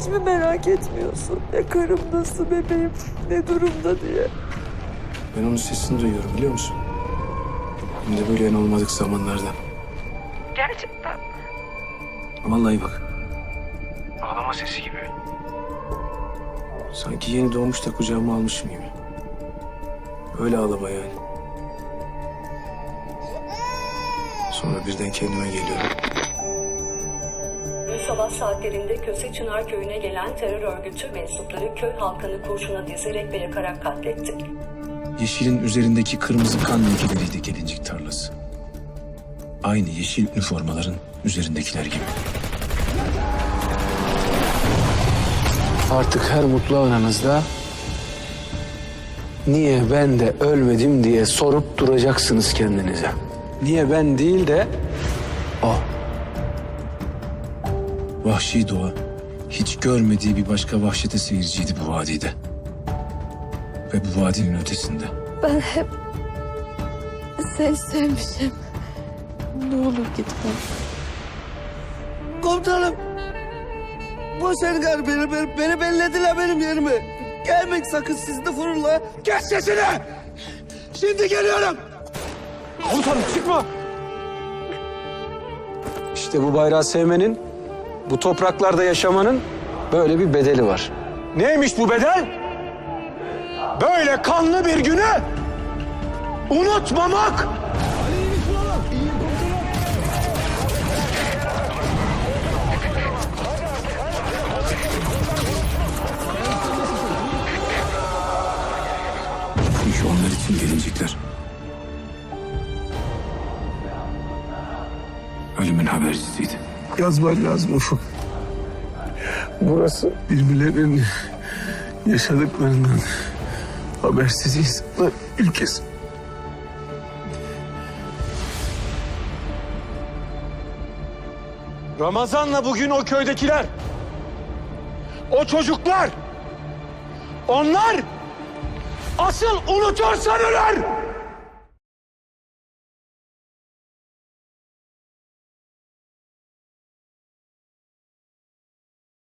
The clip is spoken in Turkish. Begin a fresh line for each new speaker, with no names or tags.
Hiç mi merak etmiyorsun? Ya karım nasıl, bebeğim ne durumda diye.
Ben onun sesini duyuyorum biliyor musun? Hem de böyle en olmadık zamanlarda.
Gerçekten.
Vallahi bak. Ağlama sesi gibi. Sanki yeni doğmuş da kucağıma almışım gibi. Öyle ağlama yani. Sonra birden kendime geliyorum.
Dün sabah saatlerinde Köse Çınar Köyü'ne gelen terör örgütü mensupları köy halkını kurşuna dizerek ve yakarak katletti.
Yeşilin üzerindeki kırmızı kan lekeleriydi gelincik tarlası. Aynı yeşil üniformaların üzerindekiler gibi. Artık her mutlu anınızda niye ben de ölmedim diye sorup duracaksınız kendinize. Niye ben değil de o. Vahşi doğa hiç görmediği bir başka vahşete seyirciydi bu vadide. Ve bu vadinin ötesinde.
Ben hep seni sevmişim. Ne olur gitme.
Komutanım. Boş ver gari beni bellediler benim yerime. Gelmek sakın siz de fırınla.
Kes sesini! Şimdi geliyorum! Komutanım çıkma! İşte bu bayrağı sevmenin, bu topraklarda yaşamanın böyle bir bedeli var. Neymiş bu bedel? Böyle kanlı bir günü unutmamak! Çünkü onlar için gelincikler. Ölümün habercisiydi.
Yazman lazım Ufuk. Burası birbirlerinin yaşadıklarından habersiz insanlar ülkesi.
Ramazan'la bugün o köydekiler, o çocuklar, onlar asıl unutursan ölür!